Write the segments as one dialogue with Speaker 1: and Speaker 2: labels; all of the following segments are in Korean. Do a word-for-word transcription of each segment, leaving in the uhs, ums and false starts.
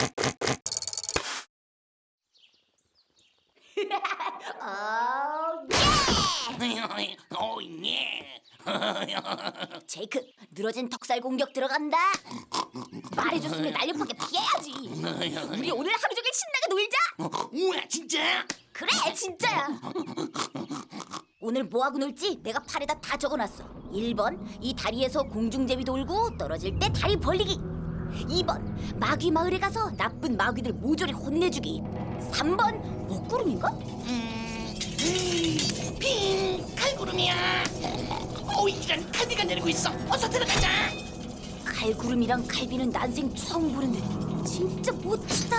Speaker 1: 어, 예!
Speaker 2: 오, 예.
Speaker 1: 제이크, 늘어진 턱살 공격 들어간다. 말해줬으면 날렵하게 피해야지. 우리 오늘 하루 종일 신나게 놀자.
Speaker 2: 우와, 진짜?
Speaker 1: 그래, 진짜야. 오늘 뭐하고 놀지 내가 팔에다 다 적어놨어. 일 번, 이 다리에서 공중제비 돌고 떨어질 때 다리 벌리기. 이 번, 마귀 마을에 가서 나쁜 마귀들 모조리 혼내주기. 삼 번, 먹구름인가?
Speaker 2: 음, 음, 핑, 칼구름이야. 오, 이런 칼비가 내리고 있어. 어서 들어가자.
Speaker 1: 칼구름이랑 칼비는 난생 처음 보는데 진짜 멋지다.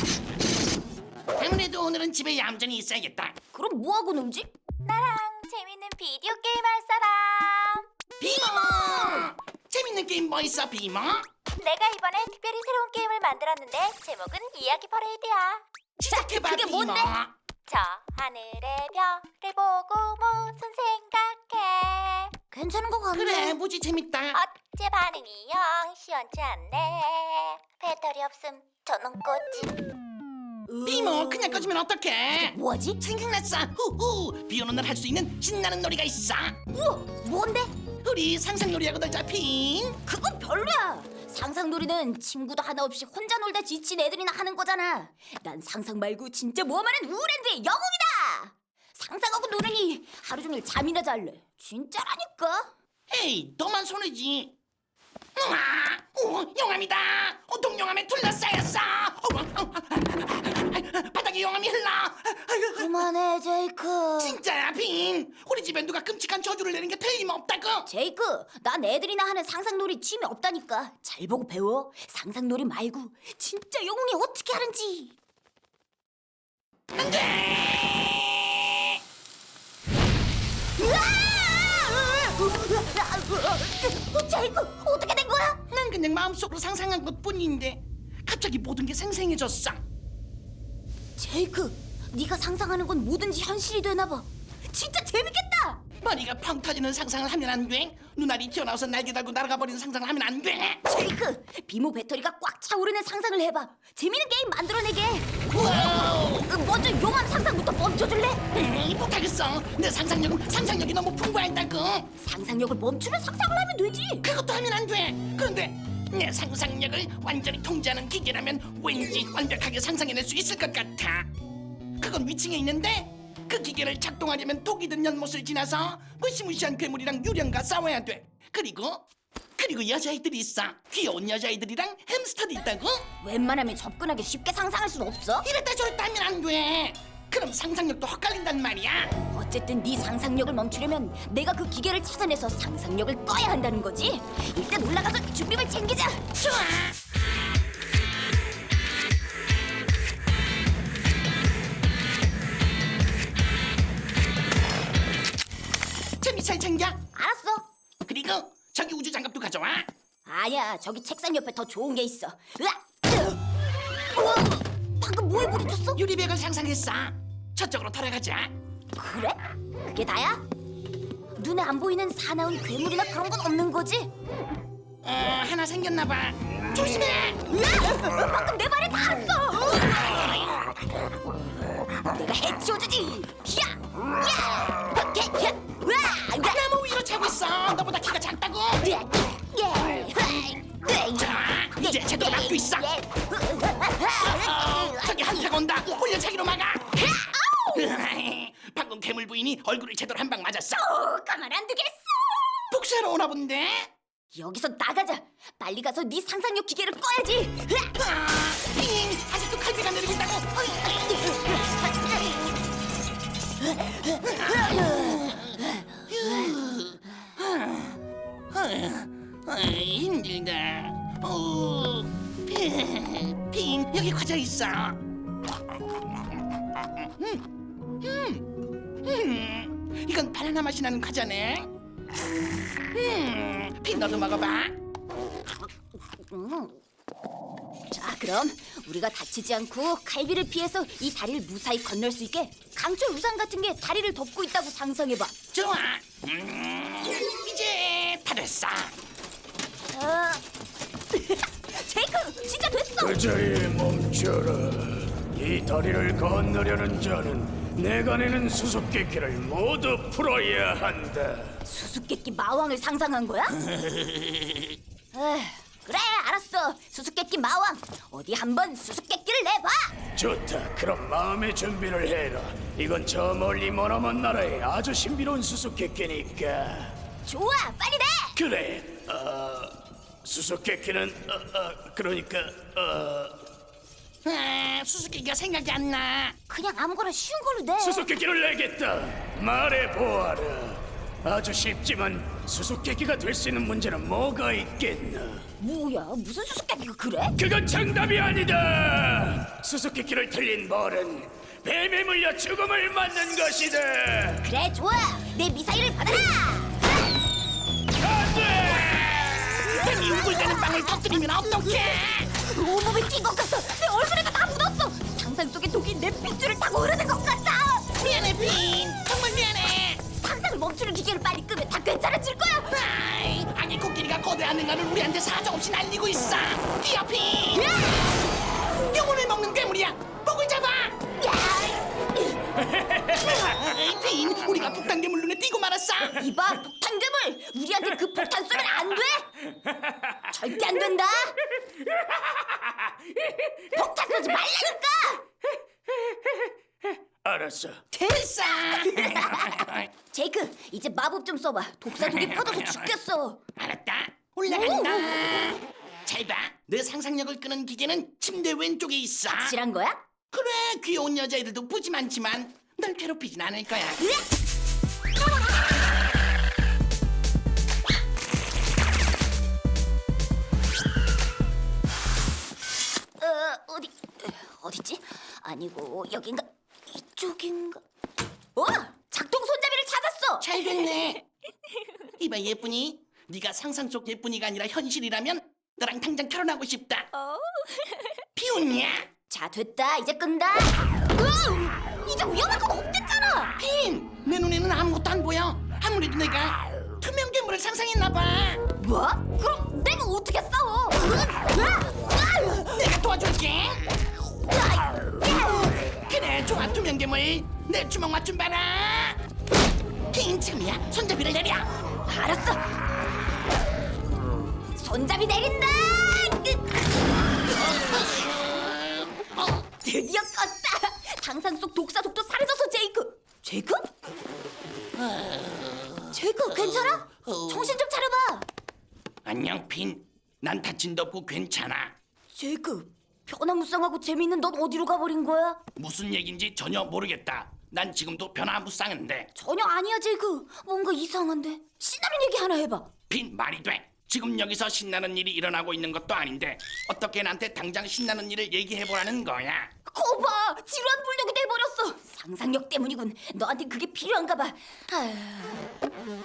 Speaker 2: 아무래도 오늘은 집에 얌전히 있어야겠다.
Speaker 1: 그럼 뭐하고 놀지?
Speaker 3: 나랑 재밌는 비디오 게임 할 사람.
Speaker 2: 비머! 재밌는 게임 뭐 있어, 비머?
Speaker 3: 내가 이번에 특별히 새로운 게임을 만들었는데 제목은 이야기 퍼레이드야.
Speaker 2: 시작해봐,
Speaker 1: 그게
Speaker 2: 비머.
Speaker 1: 뭔데?
Speaker 3: 저 하늘의 별을 보고 무슨 생각해?
Speaker 1: 괜찮은 것 같네.
Speaker 2: 그래, 무지 재밌다.
Speaker 3: 어째 반응이 영 시원치 않네. 배터리 없음 저는 꺼지.
Speaker 2: 비머, 그냥 꺼지면 어떡해?
Speaker 1: 뭐하지?
Speaker 2: 생각났어. 후후. 비 오는 날 할 수 있는 신나는 놀이가 있어.
Speaker 1: 우와, 뭔데?
Speaker 2: 우리 상상놀이하고 놀자, 핑.
Speaker 1: 그건 별로야. 상상놀이는 친구도 하나 없이 혼자 놀다 지친 애들이나 하는 거잖아. 난 상상 말고 진짜 모험하는 우랜드의 영웅이다. 상상하고 노느니 하루 종일 잠이나 잘래. 진짜라니까.
Speaker 2: 에이, 너만 손해지. 우와, 오, 용암이다. 어, 동용암에 둘러싸였어. 어, 어, 어, 바닥에 용암이 흘러. 아이고,
Speaker 1: 그만해, 제이크.
Speaker 2: 진짜야, 핑. 우리 집에 누가 끔찍한 저주를 내린 게 틀림없다고.
Speaker 1: 제이크, 난 애들이나 하는 상상놀이 취미 없다니까. 잘 보고 배워. 상상놀이 말고 진짜 영웅이 어떻게 하는지.
Speaker 2: 안 돼.
Speaker 1: 제이크, 어떻게 된 거야?
Speaker 2: 난 그냥 마음속으로 상상한 것뿐인데 갑자기 모든 게 생생해졌어.
Speaker 1: 제이크, 네가 상상하는 건 뭐든지 현실이 되나 봐. 진짜 재밌겠다.
Speaker 2: 머리가 펑 터지는 상상을 하면 안 돼. 눈알이 튀어나와서 날개 달고 날아가 버리는 상상을 하면 안 돼.
Speaker 1: 제이크, 비모 배터리가 꽉 차오르는 상상을 해봐. 재밌는 게임 만들어내게.
Speaker 2: 와우.
Speaker 1: 어, 먼저 용암 상상부터 멈춰줄래?
Speaker 2: 음, 못하겠어. 내 상상력은 상상력이 너무 풍부하다고.
Speaker 1: 상상력을 멈추는 상상을 하면 되지.
Speaker 2: 그것도 하면 안 돼. 그런데 내 상상력을 완전히 통제하는 기계라면 왠지 완벽하게 상상해낼 수 있을 것 같아. 그건 위층에 있는데 그 기계를 작동하려면 독이 든 연못을 지나서 무시무시한 괴물이랑 유령과 싸워야 돼. 그리고 그리고 여자애들이 있어. 귀여운 여자애들이랑 햄스터도 있다고.
Speaker 1: 웬만하면 접근하기 쉽게 상상할 순 없어.
Speaker 2: 이랬다 저랬다 하면 안 돼. 그럼 상상력도 헛갈린단 말이야.
Speaker 1: 어쨌든 네 상상력을 멈추려면 내가 그 기계를 찾아내서 상상력을 꺼야 한다는 거지. 일단 올라가서 준비물 챙기자.
Speaker 2: 좋아. 재미 잘 챙겨.
Speaker 1: 알았어.
Speaker 2: 그리고 저기 우주 장갑도 가져와.
Speaker 1: 아니야, 저기 책상 옆에 더 좋은 게 있어. 으악! 우와, 방금 뭐에 부딪혔어?
Speaker 2: 유리백을 상상했어. 저쪽으로 돌아가자.
Speaker 1: 그래? 그게 다야? 눈에 안 보이는 사나운 괴물이나 그런 건 없는 거지?
Speaker 2: 어, 하나 생겼나 봐. 조심해.
Speaker 1: 으악! 방금 내 말에 닿았어. 내가 해치워주지. 야! 야! 야! 야! 으악! 야!
Speaker 2: 나무 위로 차고 있어. 너보다 키가 작다고.
Speaker 1: 야! 야!
Speaker 2: 자, 이제 제대로 막고 있어. 어, 저기 한타가 온다. 올려차기로 막아. 방금 괴물 부인이 얼굴을 제대로 한 방 맞았어.
Speaker 1: 어, 가만 안 두겠어.
Speaker 2: 복수하러 오나 본데.
Speaker 1: 여기서 나가자. 빨리 가서 네 상상력 기계를 꺼야지. 으악!
Speaker 2: 아, 잉, 아직도 칼비가 내리고 있다고. 아, 힘들다. 어, 핑, 핑, 여기 과자 있어. 음, 음, 음, 이건 바나나 맛이 나는 과자네. 음, 핑 너도 먹어봐.
Speaker 1: 음. 자, 그럼 우리가 다치지 않고 칼비를 피해서 이 다리를 무사히 건널 수 있게 강철 우산 같은 게 다리를 덮고 있다고 상상해봐.
Speaker 2: 좋아. 음, 이제 다 됐어.
Speaker 1: 어... 제이크, 제이크, 진짜 됐어.
Speaker 4: 그 자리에 멈춰라. 이 다리를 건너려는 자는 내가 내는 수수께끼를 모두 풀어야 한다.
Speaker 1: 수수께끼 마왕을 상상한 거야? 에휴, 그래, 알았어. 수수께끼 마왕, 어디 한번 수수께끼를 내봐.
Speaker 4: 좋다. 그럼 마음의 준비를 해라. 이건 저 멀리 머나먼 나라의 아주 신비로운 수수께끼니까.
Speaker 1: 좋아, 빨리 내.
Speaker 4: 그래. 어, 수수께끼는 어, 어, 그러니까 어,
Speaker 2: 아, 수수께끼가 생각이 안 나.
Speaker 1: 그냥 아무거나 쉬운 걸로 내.
Speaker 4: 수수께끼를 내겠다. 말해 보아라. 아주 쉽지만 수수께끼가 될 수 있는 문제는 뭐가 있겠나?
Speaker 1: 뭐야, 무슨 수수께끼가 그래?
Speaker 4: 그건 정답이 아니다. 수수께끼를 틀린 벌은 뱀에 물려 죽음을 맞는 것이다.
Speaker 1: 그래, 좋아. 내 미사일을 받아라.
Speaker 4: 안돼.
Speaker 2: 뱀이 우글대는 빵을 터뜨리면 어떡해?
Speaker 1: 온몸에 낀 것 같아. 내 얼굴에도 다 묻었어. 상상 속의 독이 내 핏줄을 타고 흐르는 것 같아.
Speaker 2: 미안해 빈, 정말 미안해.
Speaker 1: 상상을 멈추는 기계를 빨리 끄면 다 괜찮아질 거야.
Speaker 2: 아이, 아기 코끼리가 거대한 능가를 우리한테 사정없이 날리고 있어. 뛰어 빈. 영혼을 먹는 괴물이야. 목을 잡아. 아이, 빈, 우리가 폭탄 괴물 눈에 띄고 말았어.
Speaker 1: 이봐, 폭탄 괴물. 우리한테 그 폭탄 쏘면 안 돼. 절대 안 된다. 폭탄 쏘지 말라니까.
Speaker 4: 알았어.
Speaker 2: 됐어.
Speaker 1: 제이크, 이제 마법 좀 써봐. 독사 독이 퍼져서 죽겠어.
Speaker 2: 알았다. 올라간다. 잘 봐. 내 상상력을 끄는 기계는 침대 왼쪽에 있어.
Speaker 1: 확실한 거야?
Speaker 2: 그래, 귀여운 여자애들도 푸짐하지만 널 괴롭히진 않을 거야.
Speaker 1: 어, 어디 어디지? 아니고 여긴가? 이쪽인가? 어, 작동 손잡이를 찾았어.
Speaker 2: 잘 됐네. 이봐 예쁜이, 네가 상상 속 예쁜이가 아니라 현실이라면 너랑 당장 결혼하고 싶다. 비웃냐?
Speaker 1: 자, 됐다. 이제 끈다. 으, 이제 위험한 건 없댔잖아.
Speaker 2: 빈, 내 눈에는 아무것도 안 보여. 아무래도 내가 투명 괴물을 상상했나 봐.
Speaker 1: 뭐? 그럼 내가 어떻게 싸워?
Speaker 2: 내가 도와줄게. 그래, 좋아. 투명 괴물, 내 주먹 맛 좀 봐라. 빈, 지금이야. 손잡이를 내려.
Speaker 1: 알았어. 손잡이 내린다. 드디어 껐다. 상상 속 독사 독도 사라져서 제이크. 제이크? 제이크, 괜찮아? 정신 좀 차려봐.
Speaker 2: 안녕 빈, 난 다친 데 없고 괜찮아.
Speaker 1: 제이크, 변화무쌍하고 재미있는 넌 어디로 가버린 거야?
Speaker 2: 무슨 얘긴지 전혀 모르겠다. 난 지금도 변화무쌍한데.
Speaker 1: 전혀 아니야, 제이크. 뭔가 이상한데. 신나는 얘기 하나 해봐.
Speaker 2: 빈, 말이 돼. 지금 여기서 신나는 일이 일어나고 있는 것도 아닌데 어떻게 나한테 당장 신나는 일을 얘기해보라는 거야?
Speaker 1: 거봐, 지루한 불독이 돼버렸어. 상상력 때문이군. 너한테 그게 필요한가 봐. 아휴.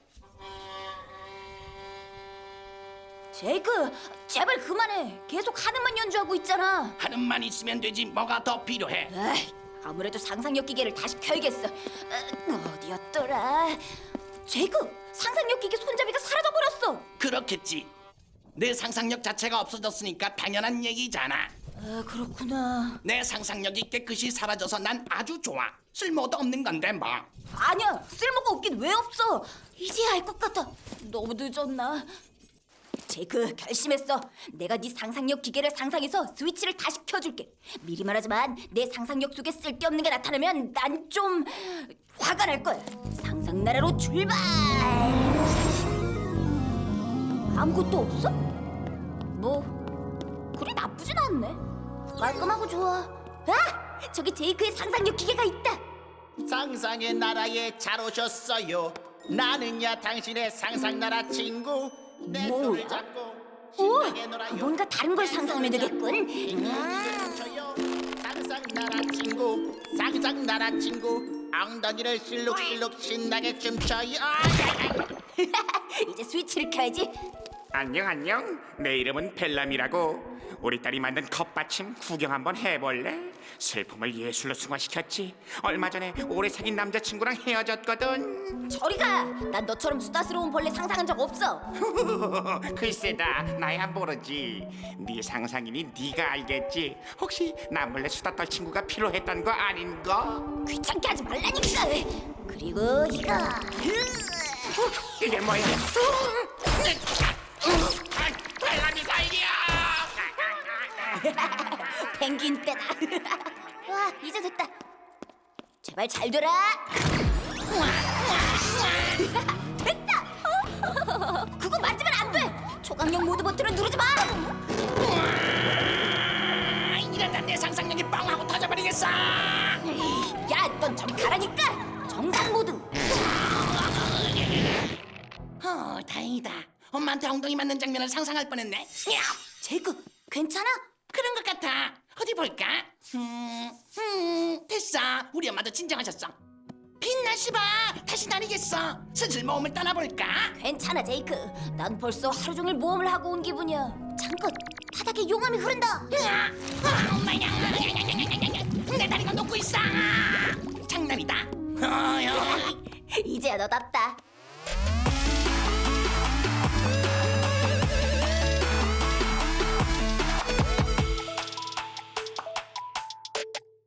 Speaker 1: 제이크, 제발 그만해. 계속 하는만 연주하고 있잖아.
Speaker 2: 하는만 있으면 되지 뭐가 더 필요해?
Speaker 1: 에이, 아무래도 상상력 기계를 다시 켜야겠어. 어, 어디였더라? 제이크, 상상력 기계 손잡이가 사라져버렸어.
Speaker 2: 그렇겠지. 내 상상력 자체가 없어졌으니까 당연한 얘기잖아.
Speaker 1: 아, 그렇구나.
Speaker 2: 내 상상력이 깨끗이 사라져서 난 아주 좋아. 쓸모도 없는 건데 뭐.
Speaker 1: 아니야, 쓸모가 없긴 왜 없어. 이제야 알 것 같아. 너무 늦었나? 제이크, 결심했어. 내가 네 상상력 기계를 상상해서 스위치를 다시 켜줄게. 미리 말하지만 내 상상력 속에 쓸데없는 게 나타나면 난 좀 화가 날 거야. 상상 나라로 출발. 아무것도 없어? 뭐 그리 나쁘진 않네. 깔끔하고 좋아. 아, 저기 제이크의 상상력 기계가 있다.
Speaker 5: 상상의 나라에 잘 오셨어요. 나는야 당신의 상상나라 친구. 내
Speaker 1: 뭐야?
Speaker 5: 손을 잡고
Speaker 1: 오,
Speaker 5: 신나게 놀아요.
Speaker 1: 뭔가 다른 걸 상상하면 되겠군.
Speaker 5: 음. 상상나라 친구, 상상나라 친구. 엉덩이를 실룩실룩 신나게 춤춰요. 아,
Speaker 1: 이제 스위치를 켜야지.
Speaker 6: 안녕 안녕 내 이름은 벨람이라고 우리 딸이 만든 컵받침 구경 한번 해볼래? 슬픔을 예술로 승화시켰지. 얼마 전에 오래 사귄 남자친구랑 헤어졌거든.
Speaker 1: 저리 가! 난 너처럼 수다스러운 벌레 상상한 적 없어.
Speaker 6: 글쎄다, 나야 모르지. 네 상상이니 네가 알겠지. 혹시 나 몰래 수다 떨 친구가 필요했던 거 아닌가?
Speaker 1: 귀찮게 하지 말라니까. 그리고 이거.
Speaker 6: 이게 뭐야? 빨간 미사일이야!
Speaker 1: 펭귄 때다. 와, 이제 됐다. 제발 잘 되라. 됐다. 그거 만지면 안 돼. 초강력 모드 버튼을 누르지 마.
Speaker 2: 아, 이러다 내 상상력이 빵 하고 터져버리겠어.
Speaker 1: 야, 넌 저리 가라니까. 정상 모드.
Speaker 2: 어, 다행이다. 엄마한테 엉덩이 맞는 장면을 상상할 뻔했네. 야,
Speaker 1: 제이크, 괜찮아?
Speaker 2: 그런 것 같아. 어디 볼까? 음, 음, 됐어. 우리 엄마도 진정하셨어. 빛나 씨봐. 다시 다니겠어. 슬슬 모험을 떠나볼까?
Speaker 1: 괜찮아, 제이크. 난 벌써 하루 종일 모험을 하고 온 기분이야. 잠깐, 바닥에 용암이 흐른다.
Speaker 2: 으아, 아, 엄마야. 내 다리가 녹고 있어. 장난이다. 어, 어.
Speaker 1: 이제야 너답다.